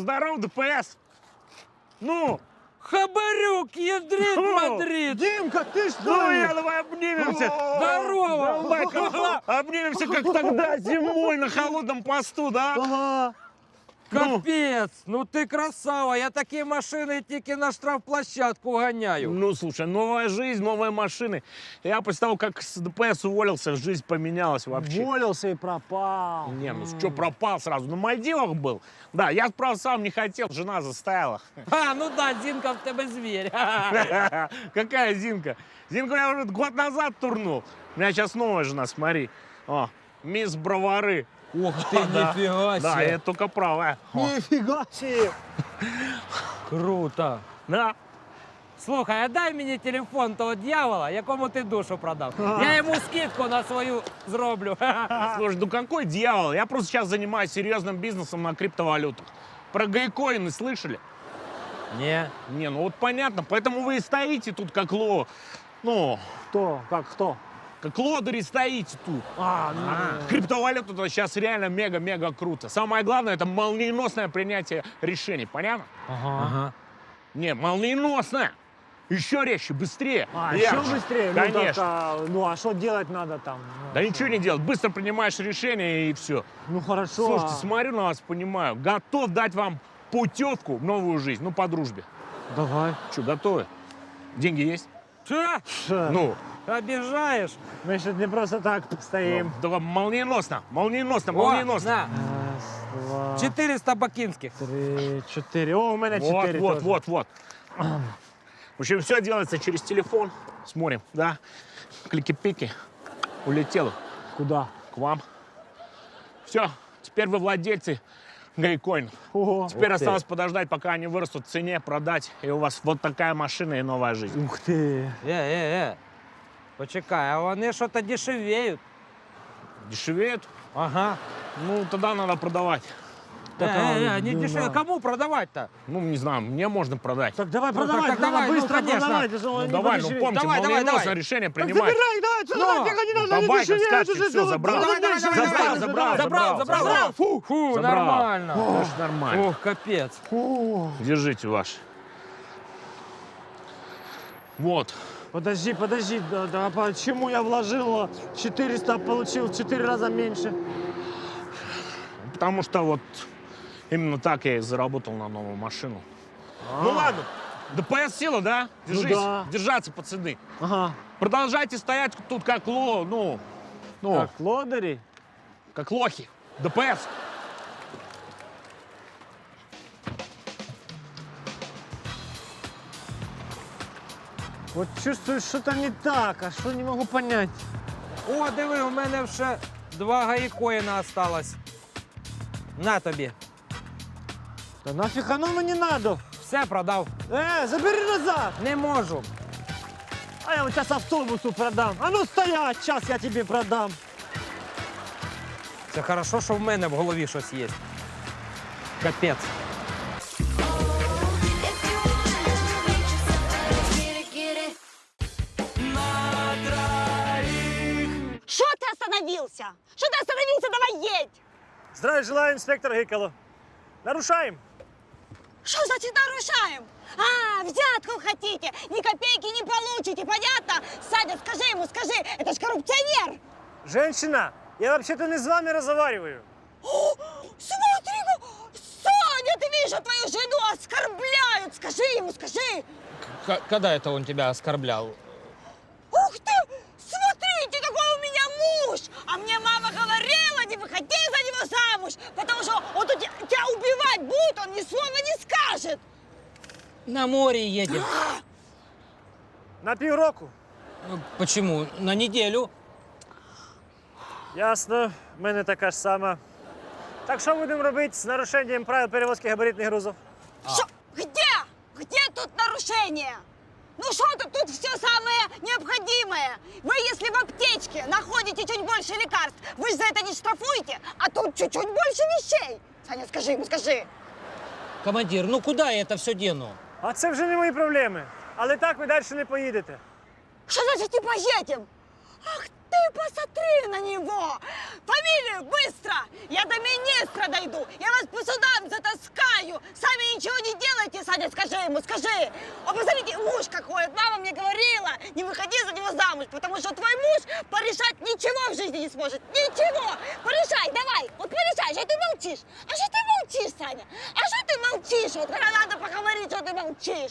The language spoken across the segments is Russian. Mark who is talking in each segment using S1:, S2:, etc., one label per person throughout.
S1: Здорово, ДПС! Ну!
S2: Хабарюк, ядрит Мадрид!
S3: Димка, ты что?
S1: Ну, я, давай обнимемся!
S2: Здорово!
S1: Давай, обнимемся, как тогда, зимой на холодном посту, да?
S3: Ага.
S2: Капец! Ну ты красава! Я такие машины тільки на штрафплощадку гоняю.
S1: Ну, слушай, новая жизнь, новые машины. Я после того, как с ДПС уволился, жизнь поменялась вообще.
S3: Уволился и пропал.
S1: Не, ну что пропал сразу? На Мальдивах был. Да, я, правда, сам не хотел, жена заставила.
S2: А, ну да, Зинка в тебе зверь.
S1: Какая Зинка? Зинку я уже год назад турнул. У меня сейчас новая жена, смотри. О, мисс Бровары.
S2: Ух ты, нифига
S1: Да,
S2: себе.
S1: я только правая. О,
S3: Нифига себе.
S2: Круто.
S1: да.
S2: Слухай, а дай мені телефон того дьявола, якому ти душу продав. Я йому скидку на свою зроблю.
S1: Слушай, ну какой дьявол? Я просто сейчас занимаюсь серьезным бизнесом на криптовалютах. Про гейкоины слышали?
S2: Не.
S1: Не, ну вот понятно. Поэтому вы и стоите тут как Ну,
S3: Кто? Как кто?
S1: как лодыри стоите тут.
S3: Ну,
S1: Криптовалюта сейчас реально мега-мега круто. Самое главное, это молниеносное принятие решений. Понятно?
S2: Ага.
S1: Не, молниеносное. Еще резче, быстрее.
S3: еще
S1: ярче.
S3: быстрее?
S1: Конечно.
S3: Ну, а что делать надо там?
S1: Да ничего не делать. Быстро принимаешь решение и все.
S3: Ну, хорошо.
S1: Слушайте, смотрю на вас, понимаю. Готов дать вам путевку в новую жизнь. Ну, по дружбе.
S3: Давай.
S1: Что, готовы? Деньги есть?
S2: Че?
S1: Ну,
S2: Обижаешь?
S3: Мы же не просто так стоим.
S1: давай молниеносно, молниеносно,
S2: О,
S1: молниеносно.
S2: на,
S3: Раз, два,
S2: 400 бакинских.
S3: 3, 4. О, у меня
S1: Вот,
S3: 4
S1: вот,
S3: тоже.
S1: вот. В общем, все делается через телефон. Смотрим, да? Клики-пики. Улетело
S3: Куда?
S1: к вам. Все, теперь вы владельцы гейкоинов.
S3: Ого.
S1: Теперь
S2: Ух ты.
S1: осталось подождать, пока они вырастут в цене, продать, и у вас вот такая машина и новая жизнь.
S3: Ух ты.
S2: Почекай, а вони щось дешевеють.
S1: Дешевеет?
S2: Ага.
S1: Ну, тогда надо продавать.
S2: Не
S3: да.
S2: дешевеют. Кому продавать-то?
S1: Ну, не знаю, мне можно продать.
S3: Так давай
S2: Ну,
S3: продавай,
S2: так
S3: надо
S2: давай, ну,
S3: быстро
S2: конечно.
S3: продавай. ты же
S1: Ну,
S3: не
S1: давай, ну
S3: подешевеет.
S1: помните,
S2: Давай,
S1: молниеносное
S2: давай.
S1: решение
S3: Так
S1: принимать.
S3: забирай, давай, что
S2: Ну,
S3: давай, фига не надо,
S1: давай,
S3: не
S1: как
S3: дешевеет,
S1: скажете,
S3: уже
S1: всё, забрал.
S2: Забрал.
S1: Забрал.
S2: Фу,
S1: Забрал.
S2: нормально.
S1: Тоже нормально.
S2: Ох, капец.
S3: О,
S1: Держите ваш. Вот.
S3: Подожди, да почему я вложил 400, а получил в 4 раза меньше?
S1: Потому что вот именно так я и заработал на новую машину. Ну ладно, ДПС сила, да? Держись.
S3: да.
S1: Держаться, пацаны.
S3: Ага.
S1: Продолжайте стоять тут как
S3: Так, лодыри?
S1: как лохи. ДПС.
S3: Вот чувствую, что-то не так, а что не могу понять.
S2: О, диви, у мене ще 2 гаїкоїна осталось. На тобі.
S3: Да нафиг оно мне не надо.
S2: Все продав.
S3: Забери назад.
S2: Не можу.
S3: А я вот сейчас автобусу продам. А ну стоять, сейчас я тебе продам.
S2: Це хорошо, що в мене в голові щось є. Капець.
S4: Что ты остановился? Что ты остановился? Давай едь!
S3: Здравия желаю, инспектор Гикало. Нарушаем.
S4: Что значит нарушаем? А, взятку хотите? Ни копейки не получите, понятно? Садя, скажи ему, скажи, это ж коррупционер!
S3: Женщина, я вообще-то не с вами разговариваю.
S4: О, смотри, Саня, ты видишь, что твою жену оскорбляют! Скажи ему, скажи!
S2: Когда это он тебя оскорблял?
S4: Ух ты! Смотрите, какой у меня муж! А мне мама говорила, не выходи за него замуж, потому что он тут тебя убивать будет, он ни слова не скажет!
S5: На море едем.
S3: На півроку.
S5: Почему? На неделю.
S3: Ясно, в мене така ж сама. Так що будемо робити з нарушенням правил перевозки габаритних грузів?
S4: Что? Где? Где тут нарушение? Ну что тут все самое необходимое? Вы, если в аптечке находите чуть больше лекарств, вы же за это не штрафуете, а тут чуть-чуть больше вещей. Саня, скажи ему, скажи.
S5: Командир, ну куда я это все дену?
S3: А це вже не мої проблеми. Але так ви далі не поїдете.
S4: Что значит не поедем? Ах ты посмотри на него! Фамилию быстро! Я до министра дойду! Я вас по судам затаскаю! Сами ничего не делайте, Саня, скажи ему, скажи! О, посмотрите, муж какой! Мама мне говорила, не выходи за него замуж, потому что твой муж порешать ничего в жизни не сможет! Ничего! Порешай, давай! Вот порешай, что ты молчишь? А что ты молчишь, Саня? А что ты молчишь? Вот когда надо поговорить, что ты молчишь?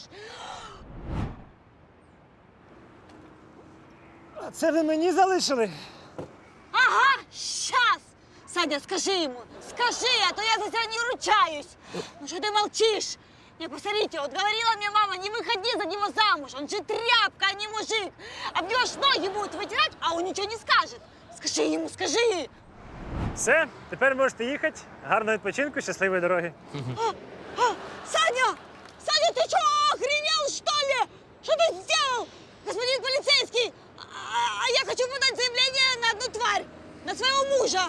S3: А це ви мені залишили?
S4: Ага, сейчас! Саня, скажи ему, скажи, а то я за тебя не ручаюсь. Ну что ты молчишь? Не, посмотрите, вот говорила мне мама, не выходи за него замуж, он же тряпка, а не мужик. Обнешь ноги будет вытирать, а он ничего не скажет. Скажи ему, скажи.
S3: Все, тепер можете їхати. Гарного відпочинку, щасливої дороги.
S4: Саня! Саня, ты что, охренел, что ли? Что ты сделал? Господин полицейский, а я хочу подать заявление на одну тварь, на своего мужа.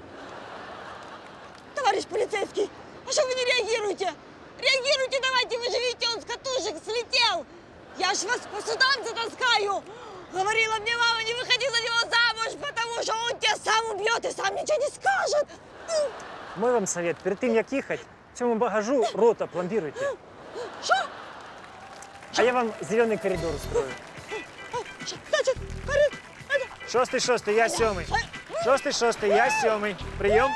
S4: Товарищ полицейский, а что вы не реагируете? Реагируйте давайте, вы же видите, он с катушек слетел. Я ж вас по судам затаскаю. Говорила мне мама, не выходи за него замуж, потому что он тебя сам убьет и сам ничего не скажет.
S3: Мой вам совет, перед тим, як їхати, цьому багажу рота пломбируйте.
S4: Что?
S3: А я вам зелений коридор устрою.
S4: Значит,
S3: Шостий, я сьомий. Шостий, я сьомий. Прийом.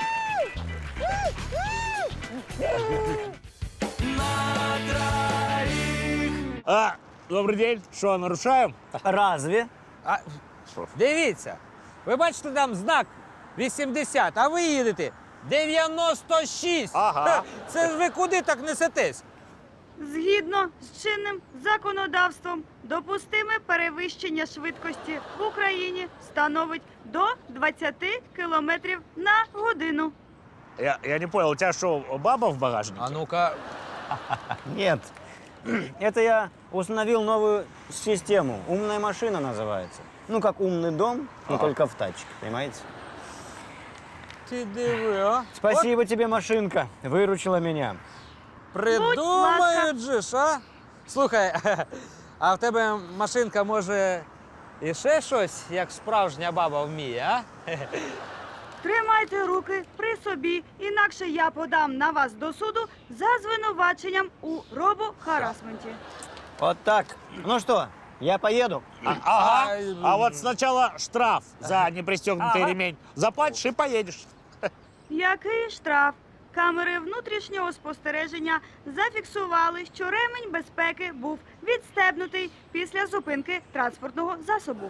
S1: Добрый день. Что, нарушаем?
S6: Разве?
S2: А, дивіться, ви бачите там знак 80, а ви їдете 96.
S1: Ага.
S2: Ха, це ж ви куди так несетесь?
S7: Згідно з чинним законодавством, допустиме перевищення швидкості в Україні становить до 20 км на годину.
S1: Я не понял, у тебя что, баба в багажнике?
S2: А ну-ка,
S6: Нет. Это я установил новую систему. Умная машина называется. Ну, как умный дом, но только в тачке, понимаете?
S2: ти диви, а?
S6: Спасибо тебе, машинка. Выручила меня.
S2: Придумають же ж, а? Слухай, а в тебе машинка може і ще щось, як справжня баба вміє, а?
S7: Тримайте руки при собі, інакше я подам на вас до суду за звинуваченням у робохарасменті.
S6: Вот так. Ну что, я поеду?
S1: Ага. А вот сначала штраф за непристегнутый ремень. Заплатишь и поедешь.
S7: Який штраф? Камери внутрішнього спостереження зафіксували, що ремень безпеки був відстебнутий після зупинки транспортного засобу.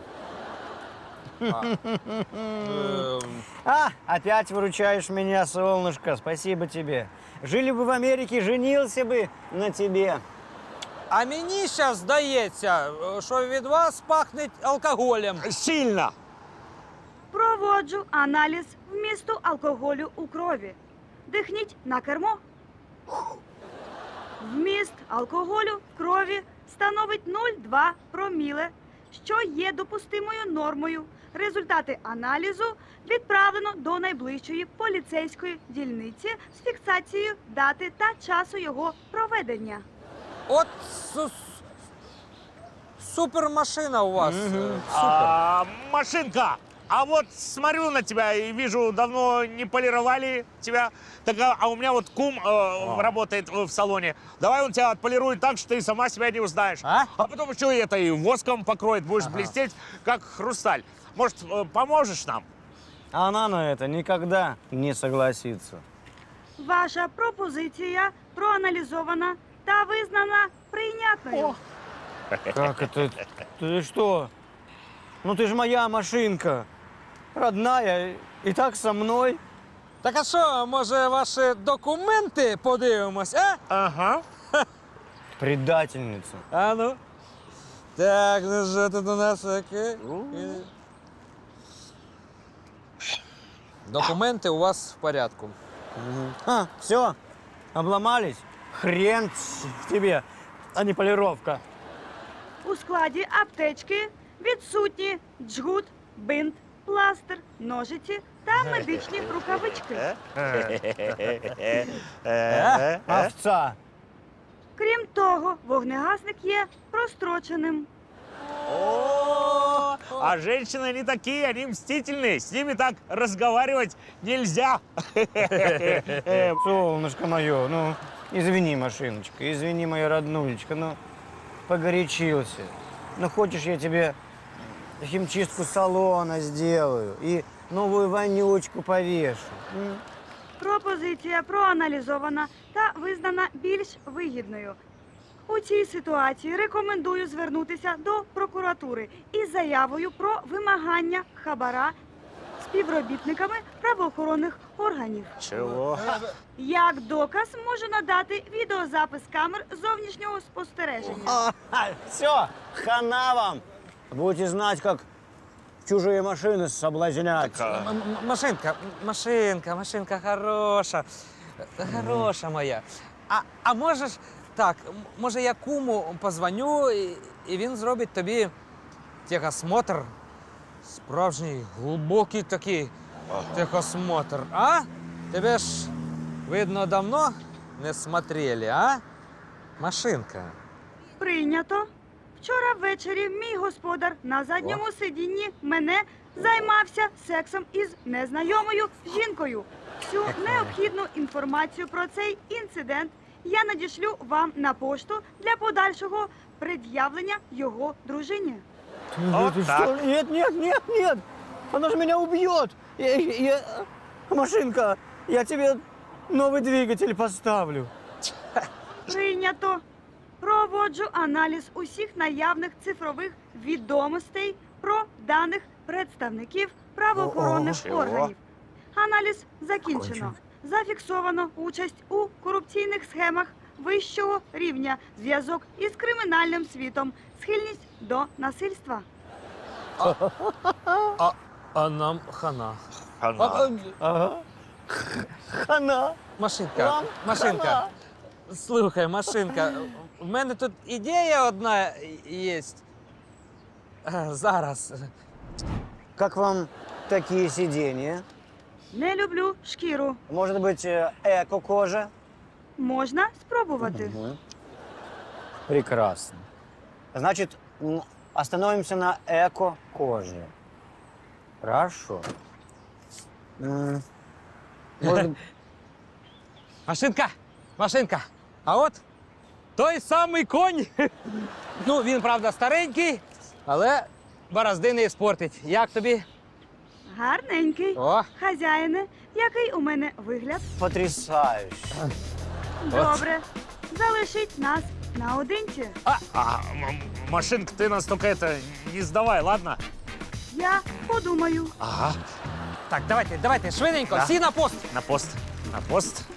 S6: Опять выручаешь меня, солнышко. Спасибо тебе. Жили бы в Америке, женился бы на тебе.
S2: А мені зараз здається, що від вас пахне алкоголем.
S1: Сильно.
S7: Проводжу аналіз вмісту алкоголю у крові. Дихніть на кермо. Вміст алкоголю в крові становить 0,2 проміле, що є допустимою нормою. Результати аналізу відправлено до найближчої поліцейської дільниці з фіксацією дати та часу його проведення.
S2: От супермашина у вас. Супер.
S1: Машинка. А вот смотрю на тебя и вижу, давно не полировали тебя. Так, а у меня вот кум работает в салоне. Давай он тебя отполирует так, что ты сама себя не узнаешь.
S2: А?
S1: Потом еще и это и воском покроет, будешь блестеть, как хрусталь. Может, поможешь нам?
S6: Она на это никогда не согласится.
S7: Ваша пропозиція проаналізована та визнана прийнятною.
S6: Как это? Ты что? Ну ты же моя машинка. Родная. И так со мной.
S2: Так а що, може, ваші документи подивимось, а?
S1: Ага.
S6: Предательница.
S2: А ну. Так, ну що тут у нас таке? Документи у вас в порядку.
S6: Все, обломались? Хрен тебе, а не полировка.
S7: У складі аптечки відсутні джгут, бинт, пластир, ножиці та медичні рукавички.
S6: Овца.
S7: Крім того, вогнегасник є простроченим.
S1: А женщины, они такие, они мстительные. С ними так разговаривать нельзя.
S6: Солнышко мое, ну, извини, машиночка, извини, моя роднулечка, ну, погорячился. Ну, хочешь, я тебе химчистку салона сделаю и новую вонючку повешу? М?
S7: Пропозиція проаналізована та визнана більш вигідною. У цій ситуації рекомендую звернутися до прокуратури із заявою про вимагання хабара співробітниками правоохоронних органів.
S1: Чего?
S7: Як доказ можу надати відеозапис камер зовнішнього спостереження.
S6: Все, хана вам! Будете знать, как чужие машины соблазнять.
S2: Машинка хороша. Хороша моя. А можеш так, може я куму позвоню, і він зробить тобі техосмотр. Справжній, глибокий такий техосмотр. А? Тебе ж, видно, давно не смотрели, а? Машинка.
S7: Прийнято. Вчора ввечері мій господар на задньому сидінні мене займався сексом із незнайомою жінкою. Всю необхідну інформацію про цей інцидент я надішлю вам на пошту для подальшого пред'явлення його дружині.
S1: Вот
S6: Ты
S1: так.
S6: что? Нет, нет, нет, нет! Она же меня убьет! Машинка, я тебе новый двигатель поставлю.
S7: Прийнято. Проводжу аналіз усіх наявних цифрових відомостей про даних представників правоохоронних
S1: Чого?
S7: органів. Аналіз закінчено. Зафіксовано участь у корупційних схемах вищого рівня, зв'язок із кримінальним світом, схильність до насильства.
S2: А нам хана.
S1: Хана.
S6: Ага. Хана.
S2: Машинка,
S6: Вам
S2: машинка.
S6: хана.
S2: Слухай, машинка, в мене тут ідея одна є. Зараз.
S6: Как вам такие сиденья?
S7: Не люблю шкіру.
S6: Может быть, эко-кожа?
S7: Можна спробувати.
S6: Прекрасно. Значит, остановимся на эко-коже. Хорошо. Может,
S2: Машинка. А от той самий конь. Ну, він, правда, старенький, але борозди не спортить. Як тобі?
S7: Гарненький.
S2: О.
S7: Хазяїне, який у мене вигляд?
S6: потрясающе.
S7: Добре. Залишіть нас наодинці.
S1: Машинка, ты нас только это не сдавай, ладно?
S7: Я подумаю.
S1: Ага.
S2: Так, давайте, швиденько,
S1: Да.
S2: всі на пост.
S1: На пост. На пост.